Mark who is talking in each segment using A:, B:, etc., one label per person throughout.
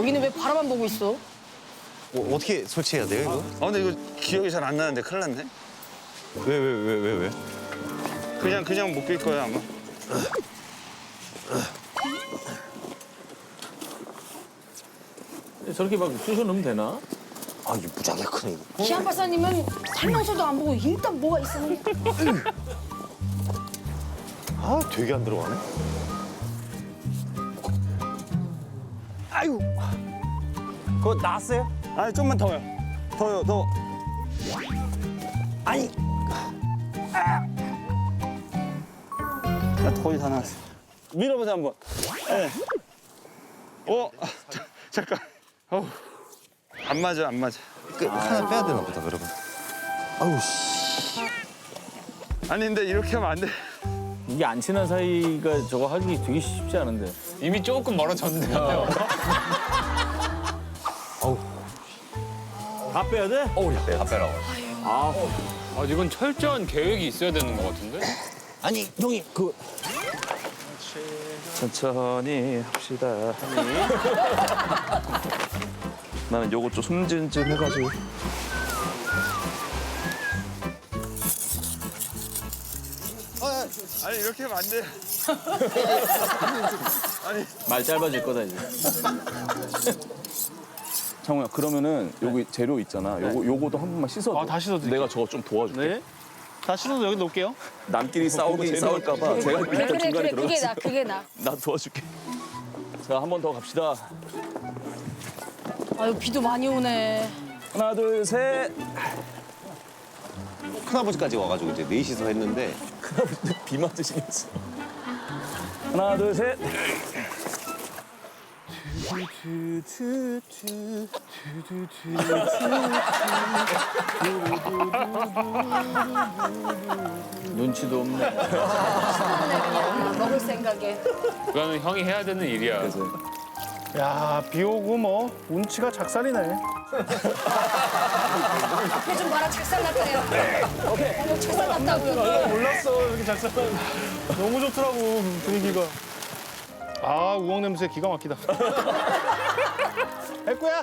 A: 여기는 왜 바라만 보고 있어?
B: 어떻게 설치해야 돼요, 이거?
C: 근데 이거 기억이 잘 안 나는데 큰일 났네.
B: 왜?
C: 그냥 묶일 거야 아마.
D: 저렇게 막 쑤셔 넣으면 되나?
B: 아, 이게 무지하게 크네, 이거.
A: 기안 박사님은 설명서도 안 보고 일단 뭐가 있으면
B: 아, 되게 안 들어가네. 아이고. 그거 나왔어요?
C: 아니 좀만 더요. 더.
B: 아니.
C: 거의 다 나왔어. 밀어보자 한번. 네. 잠깐. 안 맞아.
B: 하나 빼야 되나 보다, 그러면. 아우, 씨.
C: 아니 근데 이렇게 하면 안 돼.
D: 이게 안 친한 사이가 저거 하기 되게 쉽지 않은데.
E: 이미 조금 멀어졌는데요.
D: 다 빼야 돼?
E: 다 빼라고. 이건 철저한 계획이 있어야 되는 것 같은데?
B: 아니, 형이
F: 천천히 합시다. 나는 요거 좀 숨진 좀 해가지고.
C: 아니 이렇게 하면 안 돼.
D: 말 짧아질 거다 이제.
F: 창호야, 그러면은 여기 재료 있잖아. 요거도 한 번만 씻어줘.
E: 다 씻어드릴게요.
F: 내가 저거 좀 도와줄게.
E: 네. 다 씻어서 여기 놓을게요.
F: 남끼리 싸울까봐 제가 일단 중간에
A: 그래 그게
F: 들어갔어.
A: 나 그게 나.
F: 나 도와줄게. 자, 한 번 더 갑시다.
A: 아유 비도 많이 오네.
F: 하나, 둘, 셋.
B: 큰아버지까지 와가지고 이제 넷이서 했는데.
F: 비 맞으시겠어. 하나, 둘, 셋.
D: 눈치도 없네.
A: 그냥 먹을 생각에.
E: 그거는 형이 해야 되는 일이야.
G: 야, 비 오고 뭐 운치가 작살이네.
A: 앞에 좀 봐라 착살 났다요. 오케이. 착살 났다고요.
G: 몰랐어, 이렇게 작살. 너무 좋더라고, 분위기가. 아, 우엉 냄새 기가 막히다. 애꾸야?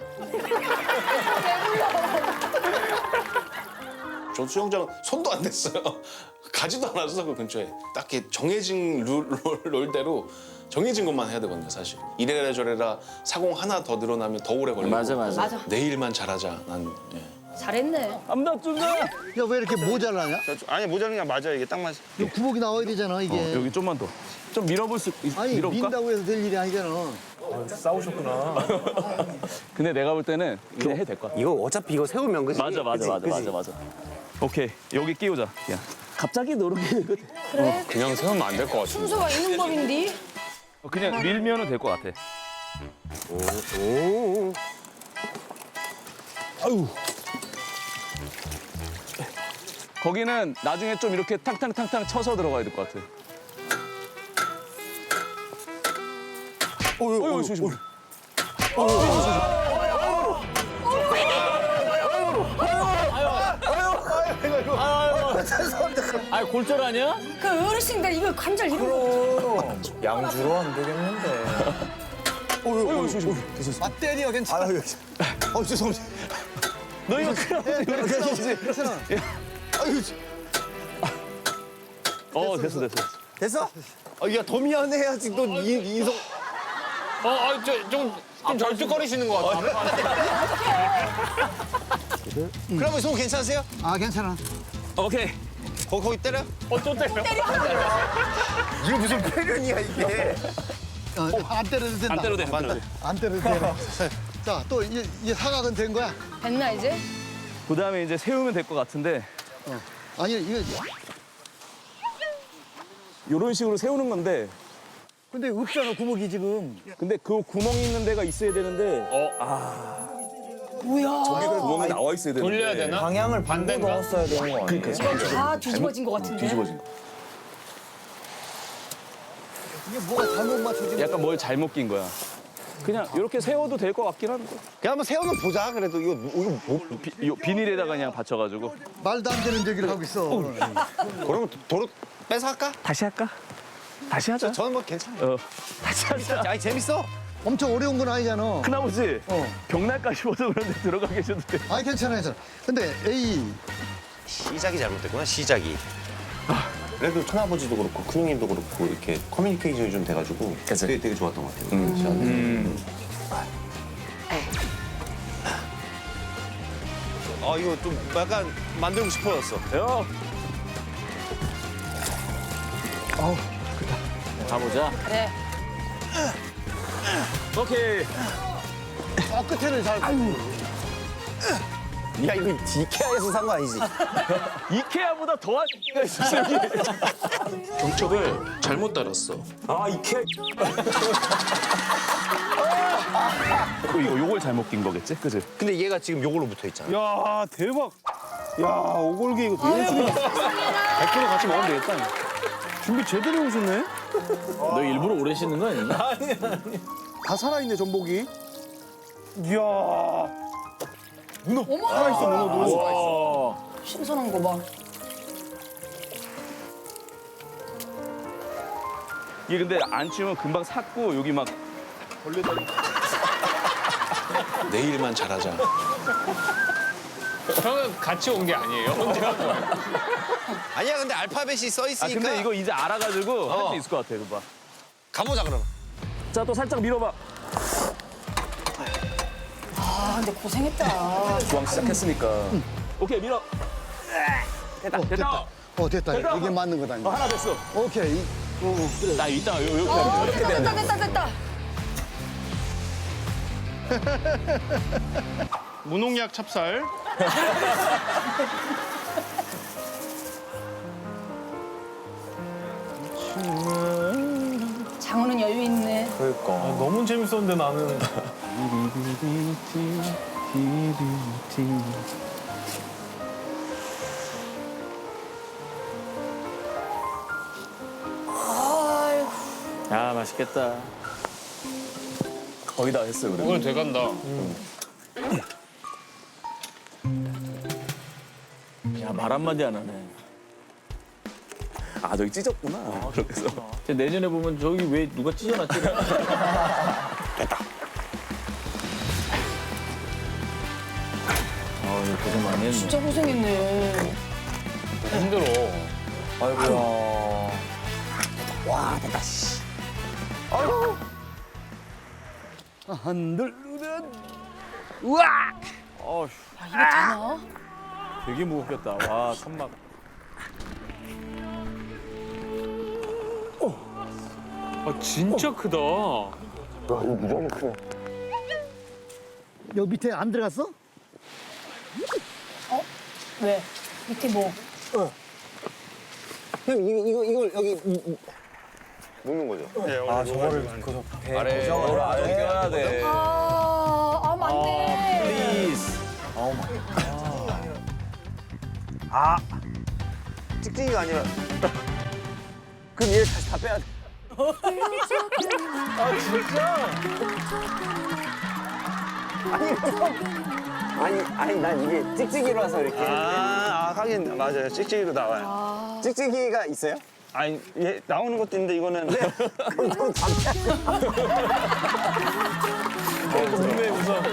H: 저 수영장은 손도 안 댔어요. 가지도 않았어 그 근처에. 딱히 정해진 롤대로 정해진 것만 해야 되거든요 사실. 이래라 저래라 사공 하나 더 늘어나면 더 오래 걸리고.
D: 맞아.
A: 맞아.
H: 내일만 잘하자. 난
A: 잘했네.
F: 암답준다.
I: 야, 왜 이렇게 모자라냐?
C: 아니 모자란 게 맞아 이게 딱 맞아.
I: 이 구멍이 나와야 되잖아, 이게.
F: 여기 좀만 더. 좀 밀어볼 수
I: 아니,
F: 밀어볼까?
I: 민다고 해서 될 일이 아니잖아.
F: 근데 내가 볼 때는 그냥 해도 될 것 같아.
B: 이거 어차피 이거 세우면 그지?
F: 맞아. 오케이, 여기 끼우자. 야, 갑자기 노르게 되거든.
A: 그래
E: 그냥 세우면 안 될 것 같은데.
A: 순서가 있는 법인데.
F: 그냥 밀면은 될 것 같아.
B: 오.
F: 거기는 나중에 좀 이렇게 탕탕탕탕 쳐서 들어가야 될 것 같아. 어이, 조심.
D: 아, 골절 아니야?
A: 그 어르신들 이거 관절 이런 거.
E: 양주로 안 되겠는데.
I: 아, 때려, 괜찮아.
B: 죄송합니다.
F: 너 이거 큰일 났지.
I: 괜찮아.
F: 됐어.
B: 됐어? 야, 더 미안해 해야지. 너 인성.
E: 좀 절뚝거리시는 것 같은데?
B: 그러면 속 괜찮으세요?
I: 아, 괜찮아.
F: 오케이.
B: 거기 때려?
E: 또 때려.
B: 이거 무슨 표현이야, 이게.
I: 안 때려도 된다.
F: 안 때려도 돼.
I: 안 때려도 돼. 자, 또 이 사각은 된 거야?
A: 됐나 이제?
F: 그다음에 이제 세우면 될 것 같은데
I: 아니, 이거.
F: 이런 식으로 세우는 건데
I: 근데 없잖아, 구멍이 지금.
F: 근데 그 구멍이 있는 데가 있어야 되는데
A: 뭐야?
F: 저기 구멍이 나와 있어야 되는데
E: 돌려야 되나?
B: 방향을
E: 반대인가?
B: 넣었어야 되는 거 아니에요?
A: 다 뒤집어진 것 같은데.
F: 뒤집어진 거.
I: 이게 뭐가 잘못 맞춰진 거야?
F: 약간 뭘 잘못 낀 거야. 그냥 이렇게 세워도 될 것 같긴 한데.
B: 그냥 한번 세워는 보자, 그래도. 이거 뭐.
F: 요 비닐에다가 그냥 받쳐가지고.
I: 말도 안 되는 얘기를 하고 있어.
B: 그러면 도로 빼서 할까?
F: 다시 할까? 다시 하자.
B: 저는 뭐 괜찮아요.
F: 다시 하자.
B: 아니, 재밌어.
I: 엄청 어려운 건 아니잖아.
F: 큰아버지 벽날까지 입어서 그런데 들어가 계셔도 돼.
I: 아니 괜찮아 괜찮아. 근데 A
B: 시작이 잘못됐구나, 시작이. 그래도 큰아버지도 그렇고 큰형님도 그렇고 이렇게 커뮤니케이션이 좀 돼가지고 그게 되게 좋았던 것 같아요. 이거 좀 약간 만들고 싶어졌어.
F: 야. 가보자.
A: 그래.
F: 오케이.
I: 끝에는 잘.
B: 야, 이거 이케아에서 산 거 아니지?
F: 이케아보다 더한 가 있어 여기.
H: 경첩을 잘못 달았어.
F: 아 이케아. 이거 요걸 잘못 낀 거겠지, 그지?
B: 근데 얘가 지금 요걸로 붙어 있잖아.
G: 야 대박. 야 오골기 이거 내일 쓰니 100% 같이 먹으면 되겠다. 준비 제대로 해오셨네.
D: 너 일부러 오래 씻는 거 아니야?
G: 다 살아있네 전복이. 이야.
A: 어머.
G: 살아있어 문어도.
D: 와.
A: 신선한 거 봐.
F: 이게 근데 안 치우면 금방 삭고 여기 막
H: 내일만 잘하자.
E: 형은 같이 온 게 아니에요? 혼자?
B: 아니야, 근데 알파벳이 써
F: 아
B: 있으니까.
F: 근데 이거 이제 알아가지고 할 수 있을 것 같아, 그거 봐.
B: 가보자, 그럼.
F: 자, 또 살짝 밀어봐.
A: 아 근데 고생했다.
F: 주황 시작했으니까. 오케이, 밀어. 됐다, 됐다.
I: 됐다.
F: 됐다.
I: 이게 맞는 거다. 이제.
F: 하나 됐어.
I: 오케이. 그래.
F: 나 이따 이렇게
A: 됐다.
G: 무농약 찹쌀.
A: 장어는 여유 있네.
G: 너무 재밌었는데 나는.
A: 아유.
D: 야 맛있겠다.
F: 거의 다 했어, 그래.
E: 오늘 돼간다.
D: 야 말 한마디 안 하네.
F: 아, 저기 찢었구나. 그래서.
D: 근데 내년에 보면 저기 왜 누가 찢어놨지? 아 이거 고생 많이 했네.
A: 진짜 고생했네.
E: 힘들어.
D: 아이고야.
I: 한들르는
D: 어휴,
A: 아 이게 되나?
D: 되게 무겁겠다. 와 천막.
E: 아 진짜 크다.
I: 여기 밑에 안 들어갔어?
A: 왜? 밑에 뭐?
B: 형, 이걸 여기 묶는 거죠?
C: 네, 저거를
B: 아래 껴야 돼.
A: 아 맞네.
F: 플리즈.
B: 찍찍이가 아니라. 그럼 얘를 다시 다 빼야 돼. 아니, 난 이게 찍찍이라서 이렇게.
C: 하긴 맞아요. 찍찍이도 나와요.
B: 찍찍이가 있어요?
C: 아니, 얘 나오는 것도 있는데 이거는
B: 그럼 좀
D: 궁금해 우선.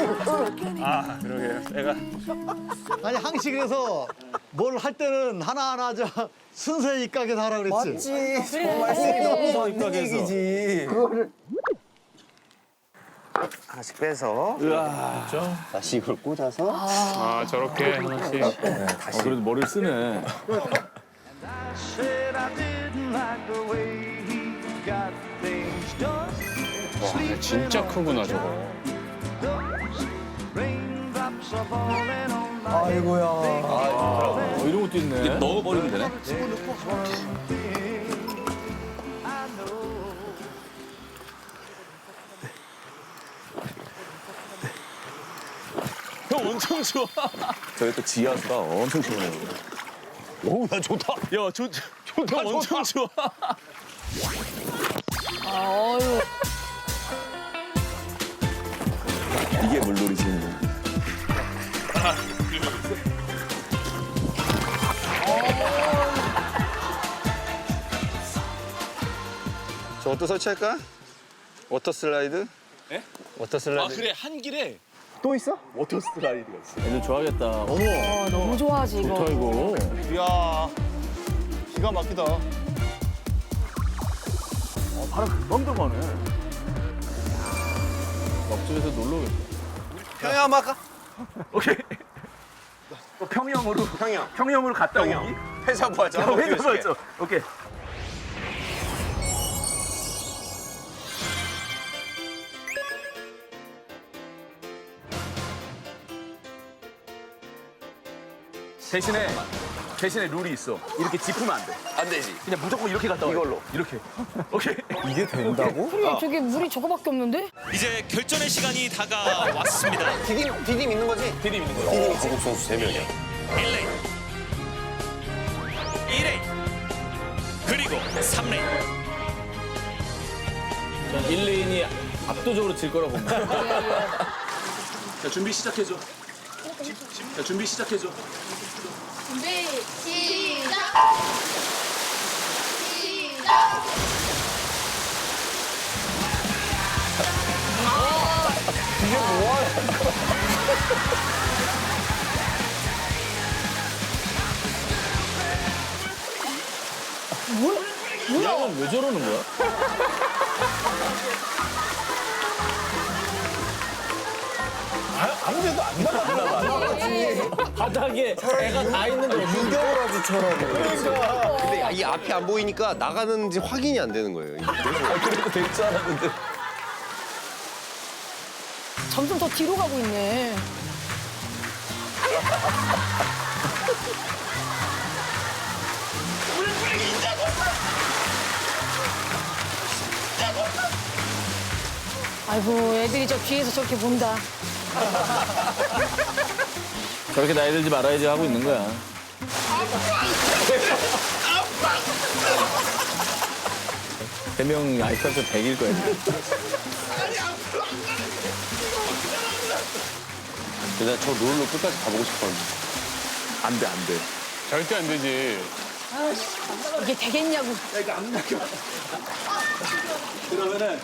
C: 그러게요. 내가
I: 아니 항식에서 뭘 할 때는 하나하나 순서에 입각해서 하라 그랬지.
B: 맞지.
A: 정말
B: 쓰기도 없는 얘기지. 그거를 하나씩 빼서 다시 이걸 꽂아서
E: 아 저렇게 하나씩.
D: 그래도 머리를 쓰네.
E: 와 진짜 크구나 저거.
D: 이런 것도 있네.
F: 넣어버리면 되네. 형 엄청 좋아. 저기 또 지하수가 엄청 시원해요.
B: 오, 야 좋다.
F: 야, 좋다. 엄청 좋아.
A: 아유.
F: 이게 물놀이지.
C: 저것도 설치할까? 워터 슬라이드? 워터 슬라이드.
H: 아 그래 한 길에
G: 또 있어?
F: 워터 슬라이드가 있어.
D: 애들 좋아하겠다. 어머,
A: 너무 좋아하지 이거.
D: 좋다 이거.
G: 이야, 기가 막히다.
F: 바로 금방 들어가네.
D: 옆집에서 놀러 오겠다.
B: 평양 한번 할까?
F: 오케이. 또 평영으로. 평영으로 갔다 오기.
B: 회사 부하자.
F: 회사 맞죠? 오케이. 대신에 룰이 있어. 이렇게 짚으면 안 돼.
H: 안 되지.
F: 그냥 무조건 이렇게 갔다 와. 이걸로. 이렇게. 오케이.
G: 이게 된다고?
A: 그래 저기 물이 저거밖에 없는데?
J: 이제 결전의 시간이 다가왔습니다.
B: 디딤 있는 거지?
F: 디딤 있는 거.
B: 한국 선수 3명이야.
J: 1레인, 2레인, 그리고 3레인.
D: 전 1레인이 압도적으로 질 거라고 봅니다.
F: 자, 준비 시작해줘. 자, 준비 시작해줘.
A: 준비 시작.
D: 얘는 왜 저러는 거야?
G: 아무데도 안 나가.
D: 바닥에 애가 다 있는데 어떻게
G: 유격을 아주 쳐라고.
B: 근데 이 앞이 안 보이니까 나가는지 확인이 안 되는 거예요.
F: 그래도 될 줄 알았는데.
A: 점점 더 뒤로 가고 있네. 아이고 애들이 저 뒤에서 저렇게 본다.
D: 저렇게 나이 들지 말아야지 하고 있는 거야. 대명 아이스한테 100일 거야.
B: 근데 저 롤로 끝까지 가보고 싶었는데.
F: 안 돼, 안 돼.
E: 절대 안 되지.
A: 이게 되겠냐고.
F: 그러면은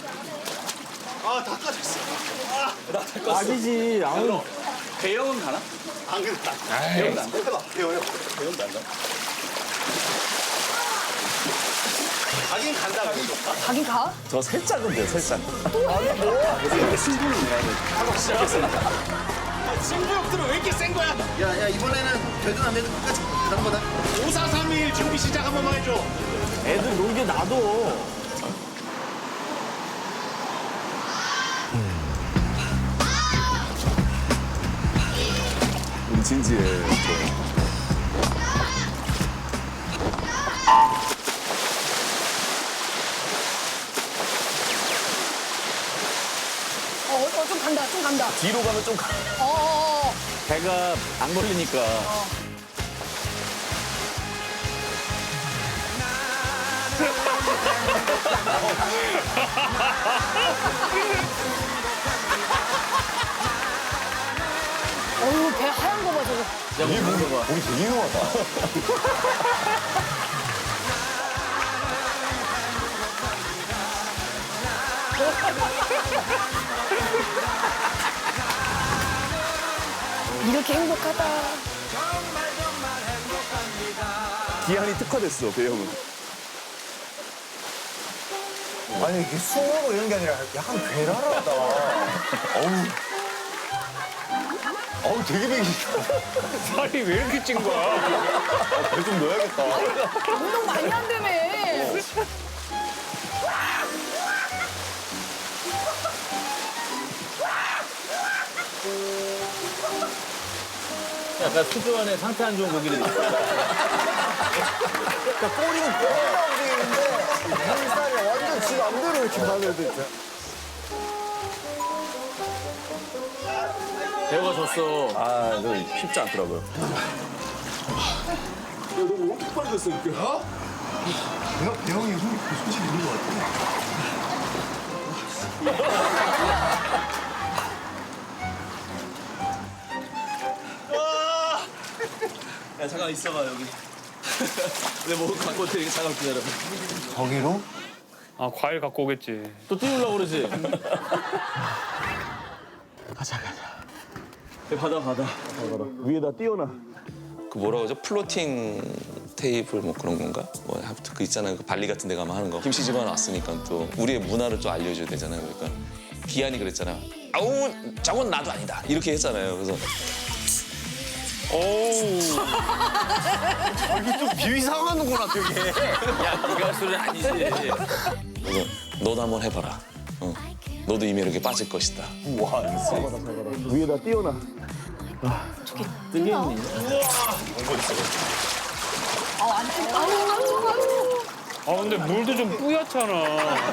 D: 아니지. 아무
F: 대형은 가나? 안 간다. 대형도 안 돼? 해봐. 대형도 안 가?
B: 가긴 간다, 그래도.
A: 가긴 가?
F: 저 살짝은 돼요, 살짝.
H: 승부욕들은 왜 이렇게 센 거야?
B: 야, 이번에는 되든 안 되든 끝까지 가는 거다.
H: 5431 준비 시작 한 번만 해줘.
D: 애들 놀게 놔둬.
F: 진지해.
A: 좀 간다, 좀 간다.
F: 뒤로 가면 좀 가.
D: 배가 안 걸리니까.
A: 어우, 배 하얀 거 봐, 저거.
D: 야, 뭐 먹는 거 봐.
G: 우리 되게 유명하다.
A: 이렇게 행복하다.
F: 기한이 특화됐어, 배형은.
G: 아니 이게 숭어고 이런 게 아니라 약간 괴랄하다. 어우 되게 배기.
E: 살이 왜 이렇게 찐 거야?
G: 배 좀 넣어야겠다.
A: 운동 많이 한다며.
D: 약간 수조 안에 상태 안 좋은 고기를 넣어.
G: 그러니까 꼬리는 꼬리라고 돼 있는데 물살이 완전 지 맘대로 이렇게 가면 돼.
D: 배우가 졌어.
F: 아, 저 쉽지 않더라고요.
G: 배영이 소질 있는 것 같아.
F: 야, 잠깐 있어봐, 여기. 내 뭐 갖고 어떻게 잠깐 기다려봐.
G: 거기로?
E: 아 과일 갖고 오겠지.
D: 또 띄우려고 그러지. 가자.
F: 위에다 띄워놔.
H: 그 뭐라 그러죠? 플로팅 테이블 뭐 그런 건가? 뭐 하여튼 그 있잖아요. 그 발리 같은 데 가면 하는 거. 김씨 집안 왔으니까 또 우리의 문화를 좀 알려줘야 되잖아요. 그러니까 기한이 그랬잖아. 아우 저건 나도 아니다. 이렇게 했잖아요. 그래서
G: 비위상하는구나 되게.
D: 네가 할 소리는 아니지.
H: 그래서 너도 한번 해봐라. 너도 이 매력에 빠질 것이다.
F: 위에다 띄워놔.
D: 뜨겠니?
E: 아 근데 물도 좀 뿌옇잖아.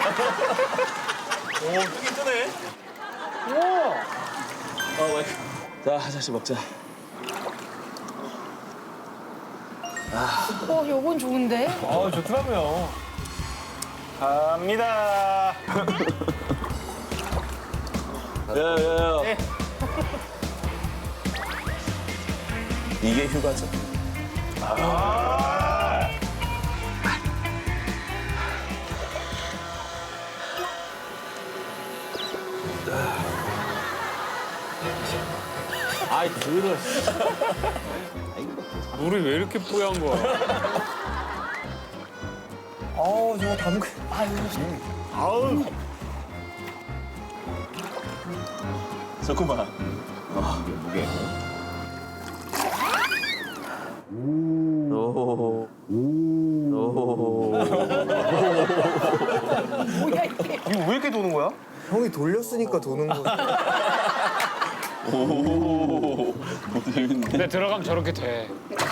F: 자, 하나씩 먹자.
A: 요건 좋은데?
C: 좋더라고요. 갑니다.
F: 야. 이게 휴가죠.
D: 아이 들어.
E: 물이 왜 이렇게 뿌얀 거야?
C: 저거 담그.
F: 좋구만.
A: 뭐야 이게?
C: 이거 왜 이렇게 도는 거야?
I: 형이 돌렸으니까 도는 거.
E: 근데 들어가면 저렇게 돼.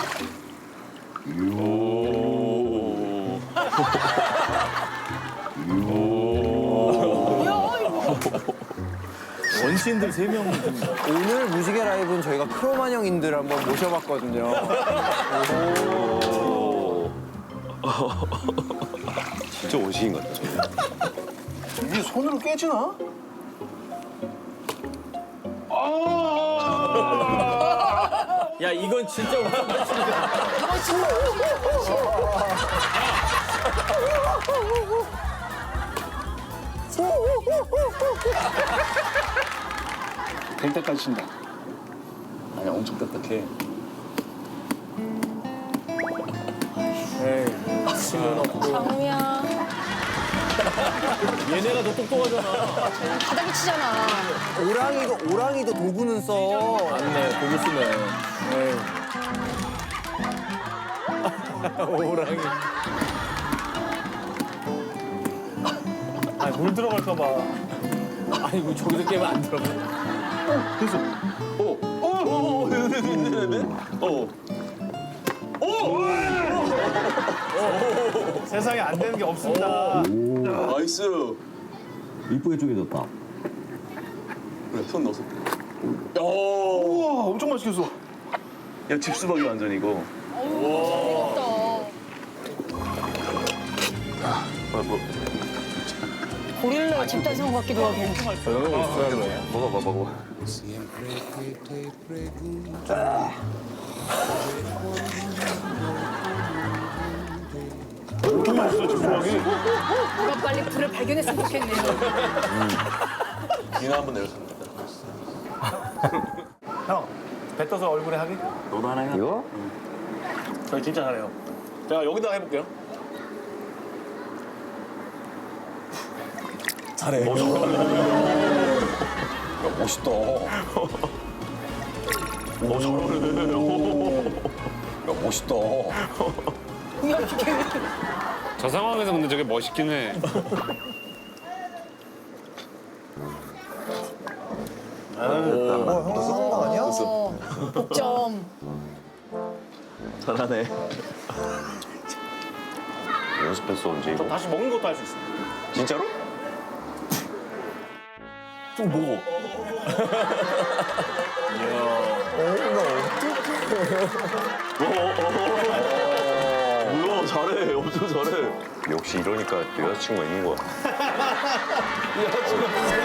D: 원신들 3명.
I: 오늘 무지개 라이브는 저희가 크로만 형님들 한번 모셔봤거든요.
B: 진짜 원시인 같다.
C: 이게 손으로 깨지나?
D: 야 이건 진짜 우승
C: 될 때까지 친다.
F: 아니, 엄청 딱딱해.
A: 장우야.
D: 얘네가 더 똑똑하잖아.
A: 바닥에 치잖아.
I: 오랑이도 도구는 써.
D: 맞네, 고기 쓰네.
F: 오랑이.
C: 아니 물 들어갈까 봐.
D: 아니 뭐 저기서 깨면 안 들어가.
C: 세상에 안 되는 게 없습니다.
F: 나이스.
B: 이쁘게 쪼개졌다.
F: 그래, 손 넣어서.
C: 우와 엄청 맛있겠어.
F: 야, 집수박이 완전 이거.
A: 고릴라 집단 생활 같기도 하고.
B: 먹어봐.
C: 엄청 맛있어 집수박이.
A: 누가 빨리 불을 발견했으면 좋겠네요.
F: 비나 한번 내렸습니다.
C: 형 뱉어서 얼굴에 하기?
F: 너도 하나 해.
B: 이거?
C: 저 진짜 잘해요. 제가 여기다가 해볼게요.
F: 잘해.
B: 멋있다. 멋있다.
E: 저 상황에서 근데 저게 멋있긴 해.
I: 형 쓰는 거 아니야?
A: 복점.
F: 잘하네.
B: 연습했어 언제 이거?
C: 다시 먹는 것도 할 수 있어.
B: 진짜로?
F: 좀 먹어. 뭐야, 잘해. 엄청 잘해.
B: 역시 이러니까 또 여자친구가 있는 거야.
F: 야, 지금